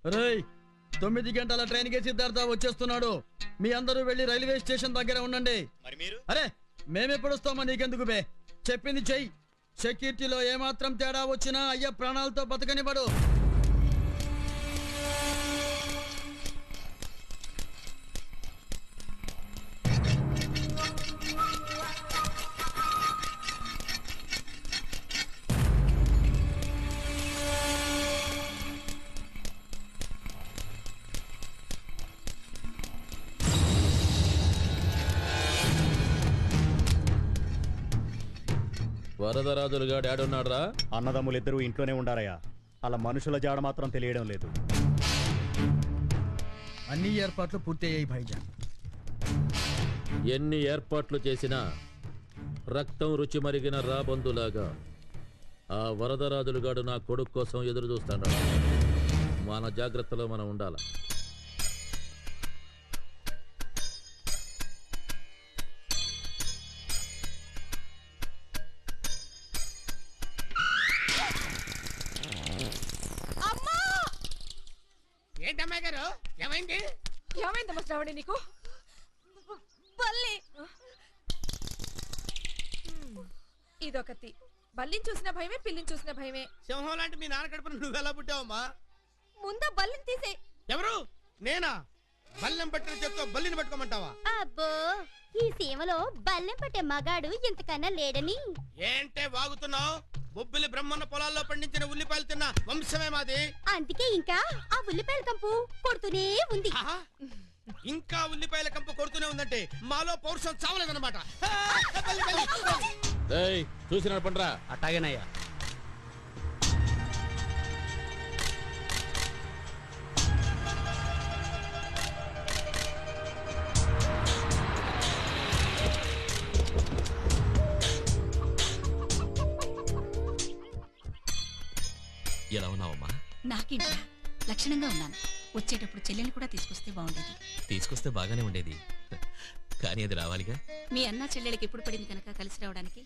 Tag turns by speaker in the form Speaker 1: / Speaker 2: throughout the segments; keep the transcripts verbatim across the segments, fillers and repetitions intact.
Speaker 1: రేయ్ తొమ్మిది గంటల ట్రైన్ కి సిద్ధార్థ వచ్చేస్తున్నాడు. మీ అందరూ వెళ్ళి రైల్వే స్టేషన్ దగ్గర ఉండండి.
Speaker 2: మరి మీరు?
Speaker 1: అరే మేమెప్పుడు వస్తామా నీకెందుకు బే? చెప్పింది చెయ్యి. సెక్యూరిటీలో ఏమాత్రం తేడా వచ్చినా అయ్య ప్రాణాలతో బతకనివ్వడు.
Speaker 3: వరదరాజులుగా డాడున్నాడ్రా?
Speaker 4: అన్నదమ్ములిద్దరూ ఇంట్లోనే ఉండారయ్యా. అలా మనుషుల జాడ మాత్రం తెలియడం లేదు.
Speaker 1: అన్ని ఏర్పాట్లు పూర్తయ్యాయి భాయిజాన్.
Speaker 3: ఎన్ని ఏర్పాట్లు చేసినా రక్తం రుచి మరిగిన రాబందులాగా ఆ వరదరాజులుగాడు నా కొడుకు కోసం ఎదురు చూస్తాడు. మన జాగ్రత్తలో మనం ఉండాలి.
Speaker 5: ఏంటమ్మాయి గారు ఏమైంది?
Speaker 6: ఏమైందమ్మా శ్రావణి నీకు? బల్లి ఇదొకటి. బల్లిని చూసిన భయమే, పిల్లిని చూసిన భయమే.
Speaker 5: సింహం లాంటి మీ నాన్న కడుపున నువ్వు ఎలా పుట్టావమ్మా?
Speaker 6: ముందా బల్లిని తీసే.
Speaker 5: ఎవరు? నేనా? బల్లెం పట్టిన చేత్తో బల్లిని పట్టుకోమంటావా?
Speaker 7: అబ్బో ఈ సీమలో బల్లెం పట్టే మగాడు ఇంతకన్నా లేడని.
Speaker 5: ఏంటే వాగుతున్నావు? బొబ్బిలి బ్రహ్మన్న పొలాల్లో పండించిన ఉల్లిపాయలు తిన్న వంశమే మాది.
Speaker 7: అందుకే ఇంకా ఆ ఉల్లిపాయల కంపు కొడుతూనే ఉంది.
Speaker 5: ఇంకా ఉల్లిపాయల కంపు కొడుతూనే ఉందంటే మాలో పౌరుషం చావలేదన్నమాట.
Speaker 3: చూసి నడపండ్రా.
Speaker 2: అట్టాగేనయ్యా.
Speaker 8: ఎలా ఉన్నావమ్మా?
Speaker 9: నాకేంటా లక్షణంగా ఉన్నాను. వచ్చేటప్పుడు చెల్లెల్ని కూడా తీసుకొస్తే బాగుండేది.
Speaker 8: తీసుకొస్తే బాగానే ఉండేది, కానీ అది రావాలిగా.
Speaker 9: మీ అన్న చెల్లెలకి ఎప్పుడు పడింది కనుక కలిసి రావడానికి?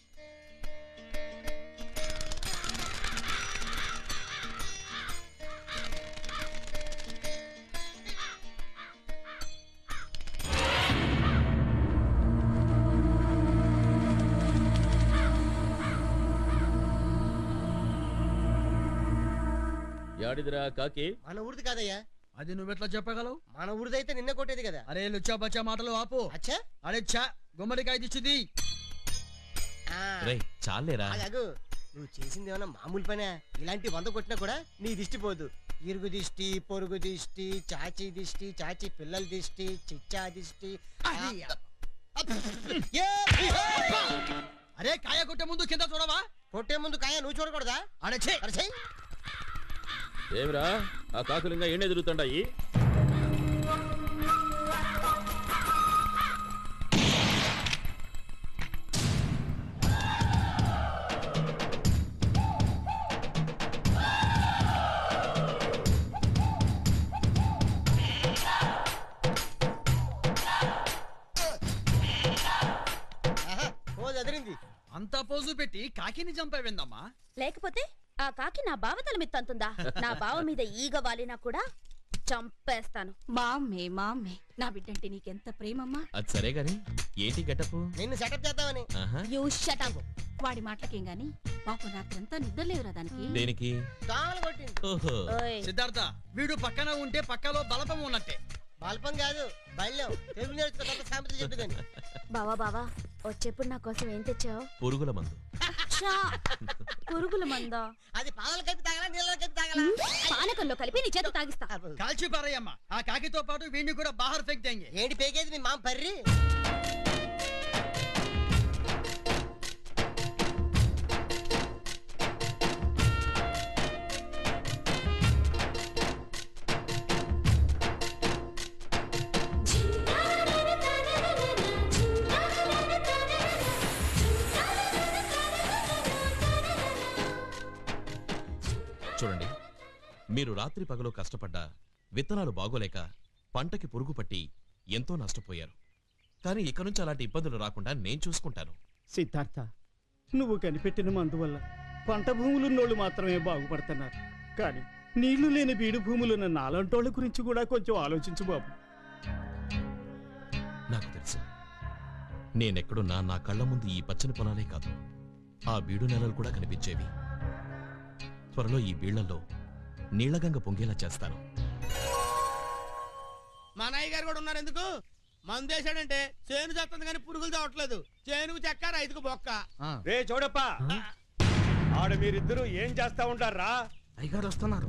Speaker 3: యాడిదిరా కాకి?
Speaker 5: మన ఊరిది కాదయ్యా.
Speaker 1: అది నువ్వెట్లా చెప్పగలవు?
Speaker 5: మన ఊరిదైతే నిన్న కొట్టేది కదా.
Speaker 1: అరే లుచ్చా బచ్చా మాటలు ఆపు.
Speaker 5: అచ్చా
Speaker 1: అరే చా గుమ్మడికాయ దిచ్చుది.
Speaker 8: రేయ్ చాలేరా.
Speaker 5: అలాగూ నువ్వు చేసింది ఏమన్నా మామూలు పనే? ఇలాంటి వంద కొట్టినా కూడా నీ దిష్టి పోదు. ఇరుగు దిష్టి, పొరుగు దిష్టి, చాచి దిష్టి, చాచి పిల్లల దిష్టి, చిచ్చా దిష్టి.
Speaker 1: అరే కాయ కొట్టే ముందు కింద చూడవా?
Speaker 5: కొట్టే ముందు కాయ నువ్వు చూడకూడదా?
Speaker 1: అడచే
Speaker 5: అరచే.
Speaker 3: ఏమిరా ఆ కాకులు ఇంకా ఎండే తిరుగుతుండాయి?
Speaker 1: అంతా పోజు పెట్టి కాకిని చంపావేందమ్మా?
Speaker 7: లేకపోతే ఆ కాకి నా బావ తల మీద తంతుందా? నా బావ మీద ఈగ వాలినా కూడా చంపేస్తాను.
Speaker 9: మా అమ్మే మా అమ్మే నా బిడ్డంటే నీకెంత ప్రేమమ్మా.
Speaker 8: అది సరే గాని ఏంటి గెటప్?
Speaker 5: నిన్ను సెటప్ చేద్దామని.
Speaker 7: You shut up.
Speaker 9: వాడి మాటలకేం గాని పాపం రాత్రంతా నిద్ర లేవురా దానికి.
Speaker 8: దేనికి?
Speaker 5: దోమలు కొట్టింది.
Speaker 8: ఓహో
Speaker 1: సిద్ధార్థ వీడు పక్కన ఉంటే పక్కలో బలపం ఉన్నట్టే.
Speaker 5: బల్పం కాదు బల్యం. తెలుగు నేర్చుకో సామెత చెప్పు కానీ.
Speaker 7: బావా బావా వచ్చేప్పుడు నా కోసం ఏం తెచ్చావు?
Speaker 8: పురుగుల మందు.
Speaker 7: పురుగుల మందా?
Speaker 5: అది పాలు కలిపి తాగలా నీళ్ళలో కలిపి తాగలా?
Speaker 7: పానకంలో కలిపి నీ చేత తాగిస్తా.
Speaker 1: కాల్చి పారయ్యమ్మా. ఆ కాకితో పాటు వీడిని కూడా బాహర్ ఫెక్ దేంగే.
Speaker 5: ఏంటి పేకేది మీ మామ పర్రి?
Speaker 8: చూడండి, మీరు రాత్రి పగలు కష్టపడ్డా విత్తనాలు బాగోలేక పంటకి పురుగు పట్టి ఎంతో నష్టపోయారు. కానీ ఇక నుంచి అలాంటి ఇబ్బందులు రాకుండా నేను చూసుకుంటాను.
Speaker 4: సిద్ధార్థ, నువ్వు కనిపెట్టిన మందు వల్ల పంట భూములున్నోళ్ళు మాత్రమే బాగుపడుతున్నారు, కానీ నీళ్లు లేని బీడు భూములున్న నాలంటోళ్ళ గురించి కూడా కొంచెం ఆలోచించు బాబు.
Speaker 8: నాకు తెలుసు, నేనెక్కడున్నా నా కళ్ళ ముందు ఈ పచ్చని పొలాలే కాదు, ఆ బీడు నెలలు కూడా కనిపించేవి. త్వరలో ఈ బీళ్లలో నీళ్లగంగ పొంగేలా చేస్తాను.
Speaker 2: మా నాయ్య గారు కూడా ఉన్నారు. ఎందుకు మందేశాడంటే చేను చేస్తుంది కానీ పురుగులు చావట్లేదు. చేనుకు చెక్క, రైతుకు బొక్క.
Speaker 4: రే చూడప్ప, ఆడ మీరిద్దరూ ఏం చేస్తా ఉంటారా?
Speaker 2: అయ్యగారు వస్తున్నారు.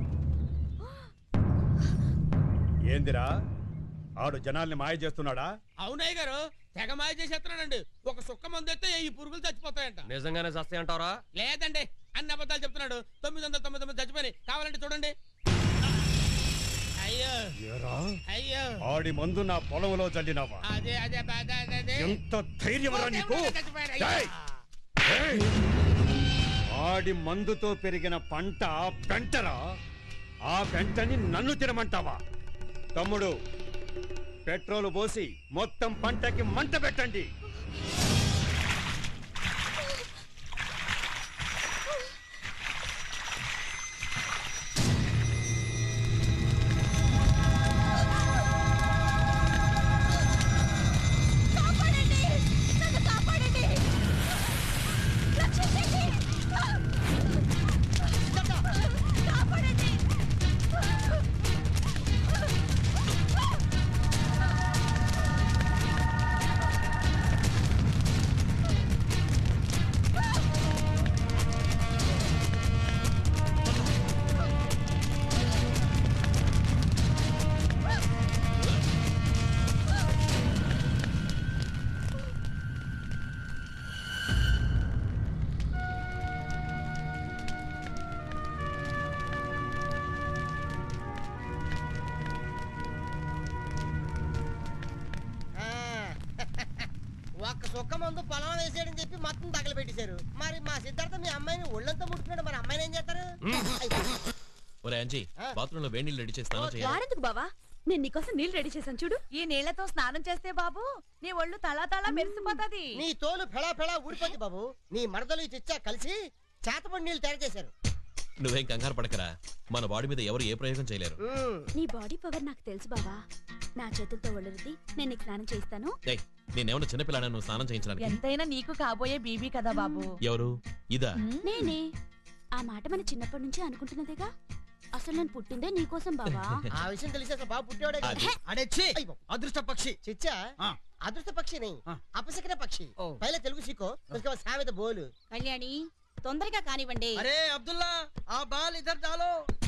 Speaker 4: ఏందిరా, ఆడు జనాల్ని మాయ చేస్తున్నాడా?
Speaker 2: అవునయ్య గారు, తెగ మాయ చేసేస్తున్నాడండి. ఒక సుక్క మందేస్తే ఈ పురుగులు చచ్చిపోతాయంట.
Speaker 10: నిజంగానే చస్తాయి అంటారా?
Speaker 2: లేదండి, అన్ని అబద్ధాలు చెప్తున్నాడు. తొమ్మిది వందల తొమ్మిది తొమ్మిది చచ్చిపోయి కావాలంటే చూడండి. అయ్యో
Speaker 4: ఏరా,
Speaker 2: అయ్యో,
Speaker 4: ఆడి మందు నా పొలంలో చల్లినావా?
Speaker 2: అదే అదే బాధ, అదే, అదే.
Speaker 4: ఎంత ధైర్యమరా నీకు?
Speaker 2: చచ్చిపోయాడు.
Speaker 4: ఏయ్! ఏయ్! ఆడి మందుతో పెరిగిన పంట పెంటరా, ఆ పెంటని నన్ను తినమంటావా? తమ్ముడు, పెట్రోల్ పోసి మొత్తం పంటకి మంట పెట్టండి.
Speaker 5: ఒక్క సుక్క మందు పొలం వేసాడని చెప్పి మొత్తం తగల పెట్టేశారు. మరి మా సిద్ధార్థ మీ అమ్మాయిని ఒళ్ళంతా ముట్టుకున్నాడు, మరి అమ్మాయిని ఏం చేస్తారు?
Speaker 8: ఒరే అంజీ, బాత్రూంలో వేడి నీళ్ళు రెడీ చేస్తాను.
Speaker 7: వారెందుకు బావా, నేను నీకోసం నీళ్ళు రెడీ చేశాను చూడు.
Speaker 6: ఈ నీళ్లతో స్నానం చేస్తే బాబు నీ ఒళ్ళు తలా తలా మెరిసిపోతాది.
Speaker 5: నీ తోలు ఫెళా ఫెళా ఊడిపోద్ది బాబు. నీ మరదలు చిచ్చా కలిసి చేతపడి నీళ్ళు తయారు చేశారు.
Speaker 8: నువ్వేం కంగారు పడకరా, మన బాడీ మీద ఎవరు ఏ ప్రయోగం చేయలేరు.
Speaker 7: నీ బాడీ పవర్ నాకు తెలుసు బావా. నా చేతులతో ఒళ్ళు రుద్ది నేను నీకు స్నానం చేయిస్తాను.
Speaker 8: ఏయ్, నేనేమన్నా చిన్నపిల్లాడా నువ్వు స్నానం చేయించడానికి?
Speaker 6: ఎంతైనా నీకు కాబోయే బీబీ కదా బాబు.
Speaker 8: ఎవరు? ఇదా?
Speaker 7: నేనే. ఆ మాట మన చిన్నప్పటి నుంచి అనుకుంటున్నదేగా. అసలు నేను పుట్టిందే నీకోసం బావా.
Speaker 5: ఆ విషయం తెలిసి అసలు బాబు పుట్టేవాడే కదా.
Speaker 8: అది.
Speaker 1: అడే ఛీ! అదృష్ట పక్షి.
Speaker 5: చిచ్చా
Speaker 1: ఆ.
Speaker 5: అదృష్ట పక్షి నీ
Speaker 1: ఆ.
Speaker 5: అపశకన పక్షి.
Speaker 1: ఓ.
Speaker 5: పైల తెలుగు సీకో उसके సామెత బోలు.
Speaker 9: కళ్యాణి తొందరగా కానివ్వండి.
Speaker 1: అరే అబ్దుల్లా, ఆ బాల్ ఇద్దరు డాలో.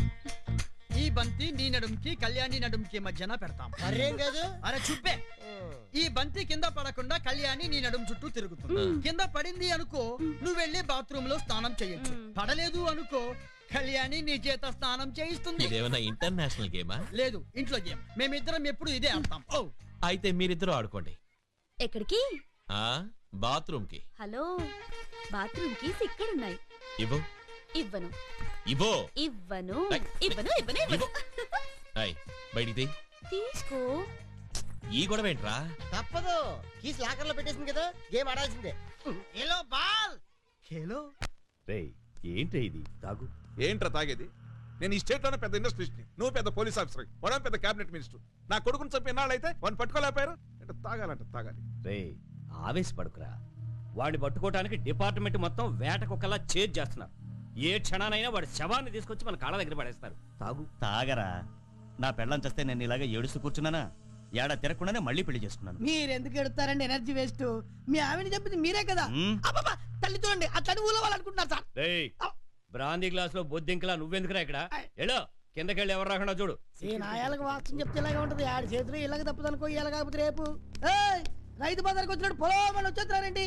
Speaker 1: ఈ బంతి నీ నడుంకి కళ్యాణి నడుంకి మధ్యన పెడతాం.
Speaker 5: మరేం కాదు.
Speaker 1: అరే చుబ్బే, ఈ బంతి కింద పడకుండా కళ్యాణి నీ నడుం చుట్టూ తిరుగుతుంది. కింద పడింది అనుకో, నువ్వు వెళ్ళి బాత్రూమ్ లో స్నానం చేయొచ్చు. పడలేదు అనుకో, కళ్యాణి నీ చేత స్నానం చేయిస్తుంది.
Speaker 8: ఇదేమన్నా ఇంటర్నేషనల్ గేమా?
Speaker 1: లేదు, ఇంట్లో గేమ్. మేమిద్దరం ఎప్పుడు ఇదే ఆడతాం. ఓ
Speaker 8: అయితే మీరిద్దరూ ఆడుకోండి.
Speaker 7: ఎక్కడికి?
Speaker 8: ఆ బాత్రూమ్ కి.
Speaker 7: హలో, బాత్రూమ్ కీస్ ఇక్కడున్నాయి.
Speaker 8: ఇవ్వు.
Speaker 7: ఇవ్వను
Speaker 8: ఇవ్వు.
Speaker 7: ఇవ్వను
Speaker 8: ఐ.
Speaker 7: ఇవ్వను ఇవ్వను ఇవ్వను.
Speaker 8: అయ్ బయటికి
Speaker 7: తీసుకో.
Speaker 8: ఈ గొడవ ఏంట్రా?
Speaker 5: తప్పదు, కీస్ లాకర్ లో పెట్టేసింది కదా, గేమ్ ఆడాల్సిందే.
Speaker 2: Hello ball.
Speaker 1: హలో
Speaker 4: రేయ్, ఏంటి ఇది? తాగు.
Speaker 11: ఏంట్రా తాగేది? నేను ఈ స్టేట్ లోనే పెద్ద ఇండస్ట్రియలిస్ట్ ని, నువ్వు పెద్ద పోలీస్ ఆఫీసర్, వాడు పెద్ద క్యాబినెట్ మినిస్టర్. నా కొడుకుని చంపి ఎన్నాళ్ళు అయితే వాడిని పట్టుకోలేపారు. అంటే తాగాలంట తాగాలి.
Speaker 4: రేయ్, ఆవేశపడుకురా. వాడిని పట్టుకోవడానికి డిపార్ట్మెంట్ మొత్తం వేట కుక్కలా చేజ్ చేస్తున్నారు. ఏ క్షణానైనా వాడి శవాన్ని తీసుకొచ్చి మన కాళ్ళ దగ్గర పడేస్తారు. తాగు. తాగరా. నా పెళ్ళం చేస్తే నేను ఇలాగే ఏడుస్తూ కూర్చున్నానా? ఏడా తిరగకుండానే మళ్ళీ పెళ్లి చేసుకున్నాను.
Speaker 2: మీరెందుకు ఎడతారండి? Energy waste. మీ ఆవిడ చెప్పింది మీరే కదా.
Speaker 4: మ్?
Speaker 2: అబ్బబ్బా, తల్లి చూడండి, అట్లా ఊళ్ళో వాళ్ళు అనుకుంటున్నారు సార్.
Speaker 4: రేయ్, బ్రాందీ గ్లాస్ లో బొద్దింకలా నువ్వెందుకురా ఇక్కడ? ఎలో కిందకెళ్ళి ఎవరు రాకుండా చూడు.
Speaker 2: ఈ నాయాలకు వాక్యం చెప్తే ఇలాగే ఉంటది. ఆడి చేతులు ఇలాగ తప్పదనుకో, ఇలా కాకపోతే రేపు ఏయ్, రైతు బజార్కి వచ్చినట్టు పొలం అని వచ్చేస్తున్నారండి.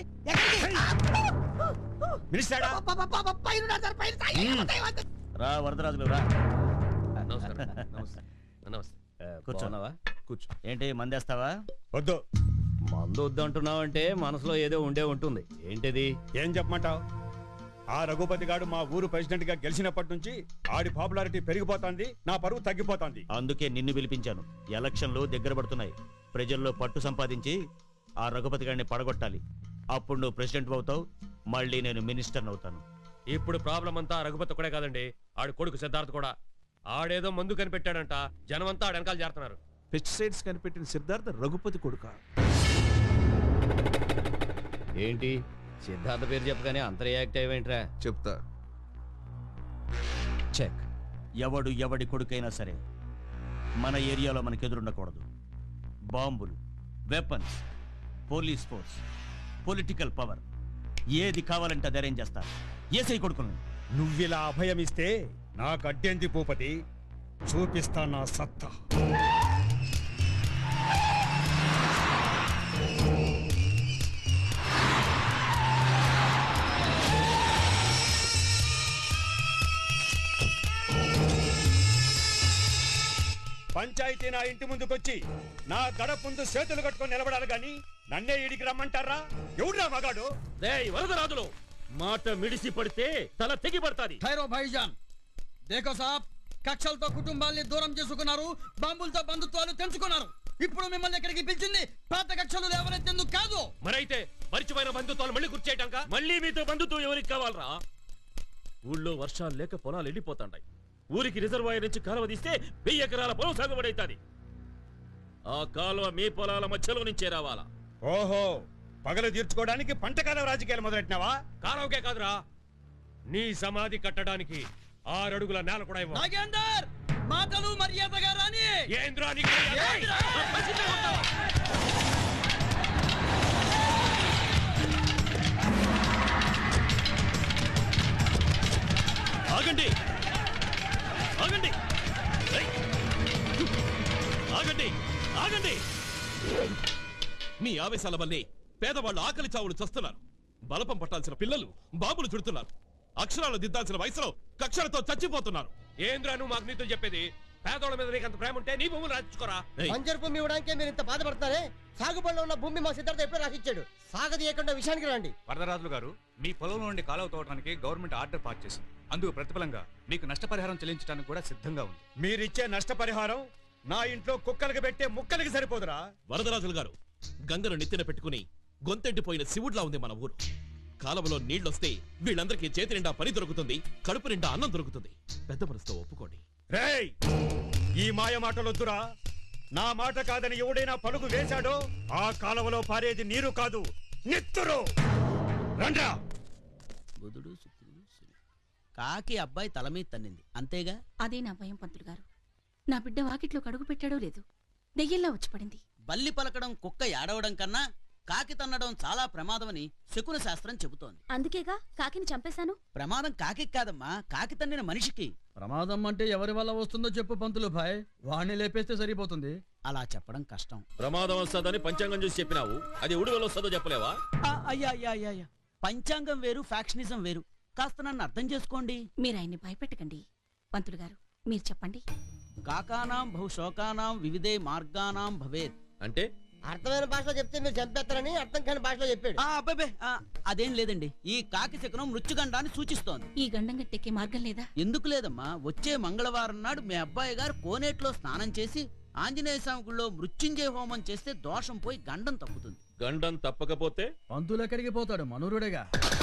Speaker 4: మినిస్టరా? రా వరదరాజులు రా.
Speaker 10: నమస్కారం. నమస్తే. నమస్తే.
Speaker 4: కూర్చోన్నావా?
Speaker 11: కూర్చో.
Speaker 4: ఏంటి మందేస్తావా? వద్దు. మందు వద్దు అంటున్నావు అంటే మనసులో ఏదో ఉండే ఉంటుంది. ఏంటిది? ఏం చెప్పమంటావు? ఆ రఘుపతి గారు మా ఊరు ప్రెసిడెంట్ గా గెలిచినప్పటి నుంచి ఆడి పాపులారిటీ పెరిగిపోతుంది, నా పరువు తగ్గిపోతుంది. అందుకే నిన్ను పిలిపించాను. ఎలక్షన్లు దగ్గర పడుతున్నాయి. ప్రజల్లో పట్టు సంపాదించి ఆ రఘుపతి గారిని పడగొట్టాలి. అప్పుడు నువ్వు ప్రెసిడెంట్ అవుతావు, మళ్ళీ నేను మినిస్టర్ అవుతాను.
Speaker 10: ఇప్పుడు ప్రాబ్లం అంతా రఘుపతి ఒకడే కాదండి, ఆడు కొడుకు సిద్ధార్థ్ కూడా. ఆడేదో మందు కనిపెట్టాడంట, జనమంతా ఆడ వెనకాల చేరుతున్నారు.
Speaker 11: పెస్టిసైడ్స్ కనిపెట్టిన సిద్ధార్థ రఘుపతి కొడుక.
Speaker 4: ఏంటి సిద్ధార్థ పేరు చెప్పగానే అంత రియాక్ట్ అయ్యేంట్రా?
Speaker 11: చెప్తా.
Speaker 12: చెక్. ఎవడు ఎవడి కొడుకైనా సరే మన ఏరియాలో మనకు ఎదురుండకూడదు. బాంబులు, weapons, police force, political power ఏది కావాలంటే అది అరేంజ్ చేస్తారు. ఏసై కొడుకుని
Speaker 4: నువ్విలా అభయమిస్తే నాకు అడ్డేంది భూపతి, చూపిస్తా నా సత్తా. పంచాయతీ నా ఇంటి ముందుకొచ్చి నా గడప ముందు చేతులు కట్టుకొని నిలబడాలి గాని నన్నే ఇడికి రమ్మంటారా? ఎవడురా మగాడు?
Speaker 3: వరదరాజులు మాట మిడిసి పడితే తల తెగి పడతాది.
Speaker 1: ఖైరో భాయిజాన్, దేఖో సాబ్, కక్షలతో కుటుంబాల్ని దూరం చేసుకున్నారు, బాంబులతో బంధుత్వాలు తెంచుకున్నారు. ఇప్పుడు మిమ్మల్ని ఎక్కడికి పిలిచింది పాత కక్షలు లేవనెత్తేందుకు కాదు.
Speaker 10: మరైతే మరిచిపోయిన బంధుత్వాలు మళ్ళీ గుర్చేయటాక?
Speaker 3: మళ్ళీ మీతో బంధుత్వం ఎవరికి కావాలరా? ఊళ్ళో వర్షాలు లేక పొలాలు ఎండిపోతాంటాయి. ఊరికి రిజర్వాయర్ నుంచి కాలువ తీస్తే వెయ్యి ఎకరాల పొలం సాగుబడైతాది. ఆ కాలువ మీ పొలాల మధ్యలో నుంచే రావాలా?
Speaker 4: ఓహో, పగలు తీర్చుకోవడానికి పంటకాలం రాజకీయాలు మొదలెట్టినావా?
Speaker 10: కాలువకే కాదురా, నీ సమాధి కట్టడానికి ఆరడుగుల నేల కూడా ఇవ్వ.
Speaker 1: నాగేందర్, మాటలు మర్యాదగా రాని.
Speaker 10: ఏంద్రా
Speaker 8: ఆగండి ఆగండి ఆగండి ఆగండి! మీ ఆవేశాల వల్లే పేదవాళ్ళు ఆకలి చావులు చస్తున్నారు. బలపం పట్టాల్సిన పిల్లలు బాబులు చుడుతున్నారు. అక్షరాలు దిద్దాల్సిన వయసులో కక్షలతో చచ్చిపోతున్నారు.
Speaker 10: ఏంద్రా నువ్వు మాకు నీతో చెప్పేది? పేదోళ్ళ మీద నీకు అంత ప్రేమ ఉంటే నీ భూములు రాయించుకోరా.
Speaker 5: బంజరు భూమి ఇవ్వడానికే మీరు ఇంత బాధపడతారే? సాగుబడిలో ఉన్న భూమి మా సిద్ధార్థ ఎప్పుడో రాసిచ్చాడు. సాగదీయకుండా విషయానికి రండి.
Speaker 13: వరదరాజులు గారు, మీ పొలంలో నుండి కాలువ తోవడానికి గవర్నమెంట్ ఆర్డర్ పాస్ చేసింది. అందుకు ప్రతిఫలంగా మీకు నష్టపరిహారం చెల్లించడానికి కూడా సిద్ధంగా ఉంది.
Speaker 4: మీరిచ్చే నష్టపరిహారం నా ఇంట్లో కుక్కలకి పెట్టే ముక్కలకి సరిపోదురా?
Speaker 8: వరదరాజులు గారు, గంగను నెత్తిన పెట్టుకుని గొంతెండిపోయిన శివుడ్లా ఉంది మన ఊరు. కాలువలో నీళ్లొస్తే వీళ్ళందరికీ చేతి నిండా పని దొరుకుతుంది, కడుపు నిండా అన్నం దొరుకుతుంది. పెద్ద మనసుతో ఒప్పుకోండి.
Speaker 4: రేయ్, ఈ మాయ మాటలొద్దురా. నా మాట కాదని ఎవడైనా పలుగు వేశాడో ఆ కాలువలో పారేది నీరు కాదు, నెత్తురు. రండ్రా.
Speaker 12: బుధుడు, శుక్రుడు, శని. కాకి అబ్బాయి తల మీద తన్నింది, అంతేగా?
Speaker 9: అదే నా భయం పంతులు గారు. నా బిడ్డ వాకిట్లో కడుగు పెట్టాడో లేదు, దెయ్యంలా వచ్చి పడింది.
Speaker 12: బల్లి పలకడం, కుక్క ఏడవడం కన్నా కాకి తన్నడం చాలా ప్రమాదమని శకున శాస్త్రం చెబుతోంది.
Speaker 7: అందుకేగా కాకిని చంపేశాను.
Speaker 12: ప్రమాదం కాకి కాదమ్మా, కాకి తన్నిన మనిషికి.
Speaker 1: ప్రమాదం అంటే ఎవరి వల్ల వస్తుందో చెప్పు పంతులు భాయ్, వాణ్ణి లేపేస్తే సరిపోతుంది.
Speaker 12: అలా చెప్పడం కష్టం.
Speaker 3: ప్రమాదం వస్తుందని పంచాంగం చూసి చెప్పినావు, అది ఉడివెల వస్తుందో చెప్పలేవా?
Speaker 12: అయ్యా అయ్యా అయ్యా అయ్యా, పంచాంగం వేరు, ఫ్యాక్షనిజం వేరు. కాస్త నన్ను అర్థం చేసుకోండి.
Speaker 9: మీరు ఆయన్ని భయపెట్టకండి. పంతులు గారు మీరు చెప్పండి.
Speaker 12: కాకానాం బహుశోకానాం వివిధే మార్గానాం భవేత్
Speaker 3: అంటే
Speaker 5: అర్థమైన భాషలో చెప్తే మీరు చంపేస్తారని అర్థం కాని భాషలో చెప్పాడు.
Speaker 12: అబ్బాబే, అదేం లేదండి. ఈ కాకి శకునం మృత్యుగండాన్ని సూచిస్తోంది.
Speaker 9: ఈ గండం గట్టెక్కే మార్గం లేదా?
Speaker 12: ఎందుకు లేదమ్మా, వచ్చే మంగళవారం నాడు మీ అబ్బాయి గారు కోనేట్లో స్నానం చేసి ఆంజనేయ స్వామి గుళ్ళో మృత్యుంజయ హోమం చేస్తే దోషం పోయి గండం తప్పుతుంది.
Speaker 3: గండం తప్పకపోతే
Speaker 1: పంతులు ఎక్కడికి పోతాడు? మనూరుడేగా.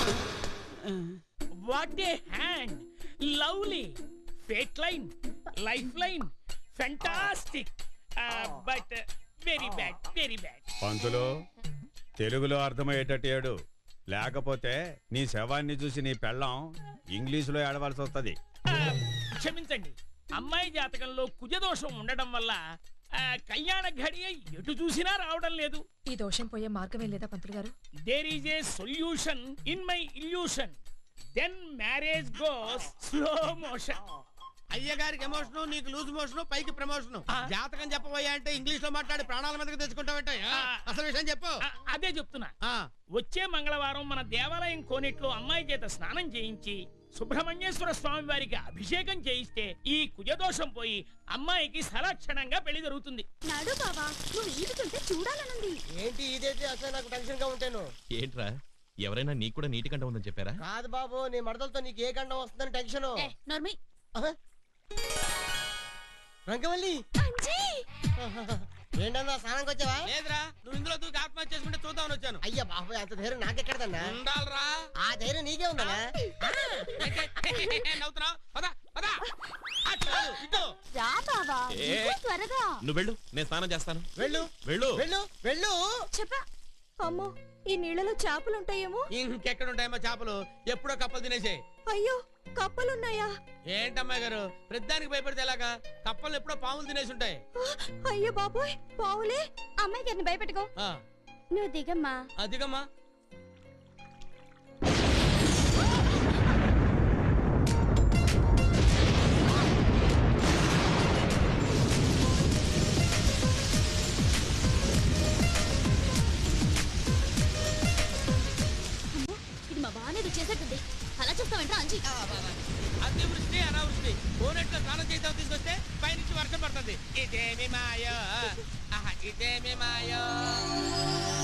Speaker 14: What a hand, lovely fate line, life line, fantastic, but very bad, very bad.
Speaker 4: పంతులు, తెలుగులో అర్థమయ్యేటట్టు ఏడు, లేకపోతే నీ శవాన్ని చూసి నీ పెళ్ళం ఇంగ్లీషులో ఏడవలసి వస్తుంది.
Speaker 14: క్షమించండి, అమ్మాయి జాతకంలో కుజదోషం ఉండడం వల్ల కళ్యాణ ఘడియ ఎటు చూసినా రావడం లేదు.
Speaker 6: ఈ దోషం పోయే మార్గమే లేదా పంతులు గారు?
Speaker 14: There is a solution in my illusion. Then marriage goes slow motion.
Speaker 15: అయ్యగారికి ఎమోషన్, నీకు లూజ్ మోషన్, పైకి ప్రమోషన్. జాతకం చెప్పబోయా అంటే ఇంగ్లీష్ లో మాట్లాడి ప్రాణాల మీదకి తెచ్చుకుంటావంటే అసలు విషయం చెప్పు.
Speaker 14: అదే చెప్తున్నా. వచ్చే మంగళవారం మన దేవాలయం కోనేట్లో అమ్మాయి చేత స్నానం చేయించి సుబ్రహ్మణ్యేశ్వర స్వామి వారికి అభిషేకం చేయిస్తే ఈ కుజదోషం పోయి అమ్మాయికి సలక్షణంగా పెళ్లి జరుగుతుంది.
Speaker 7: నాడు బావా, నువ్వు ఈదుతుంటే చూడాలనుంది.
Speaker 5: ఏంటి ఇదైతే అసలు నాకు టెన్షన్ గా ఉంటాను.
Speaker 8: ఏంట్రా, ఎవరైనా నీకు కూడా నీటి గంట ఉందని చెప్పారా?
Speaker 5: కాదు బాబు, నీ మడతలతో నీకు ఏ గండం వస్తుందని టెన్షన్.
Speaker 7: నర్మి
Speaker 5: రంగవల్లి, ఏంటన్నా స్నానంకి వచ్చావా?
Speaker 15: లేదురా, నువ్వు ఇందులో దూకి ఆత్మహత్య చేసుకుంటే చూద్దామని వచ్చాను.
Speaker 5: అయ్యా బాబు, అంత ధైర్యం నాకెక్కడదన్నా?
Speaker 15: ఉండాలరా.
Speaker 5: ఆ ధైర్యం నీకే ఉందన్నా.
Speaker 15: నవ్వుతున్నావు? పద
Speaker 7: రా బావా
Speaker 8: ఏ.
Speaker 7: దిగు త్వరగా.
Speaker 8: నువ్వు వెళ్ళు నేను స్నానం చేస్తాను
Speaker 5: వెళ్ళు
Speaker 8: వెళ్ళు
Speaker 5: వెళ్ళు వెళ్ళు
Speaker 7: చెప్పా.
Speaker 6: అమ్మో ఈ నీళ్ళలో చేపలు ఉంటాయేమో.
Speaker 15: ఇంకెక్కడ ఉంటాయమ్మా చేపలు? ఎప్పుడో కప్పలు తినేసే.
Speaker 6: అయ్యో కప్పలున్నాయా?
Speaker 15: ఏంటమ్మాయి గారు ప్రతిదానికి భయపడితే ఎలాగా? కప్పలు ఎప్పుడో పాములు తినేసి ఉంటాయి.
Speaker 6: అయ్యో బాబోయ్ పావులే.
Speaker 7: అమ్మాయి గారిని భయపెట్టుకో.
Speaker 15: ఆ,
Speaker 7: నువ్వు దిగమ్మా.
Speaker 15: అదిగమ్మా.
Speaker 7: ఇది మా బాగానే చేసేట్టుంది. అలా చూస్తావేంట్రా అంజీ?
Speaker 15: అతివృష్టి అనావృష్టి కోనెట్లో స్నానం చేద్దాం తీసుకొస్తే పైనుంచి వర్షం పడుతుంది. ఇదేమి మాయో, ఆహా, ఇదేమి మాయో.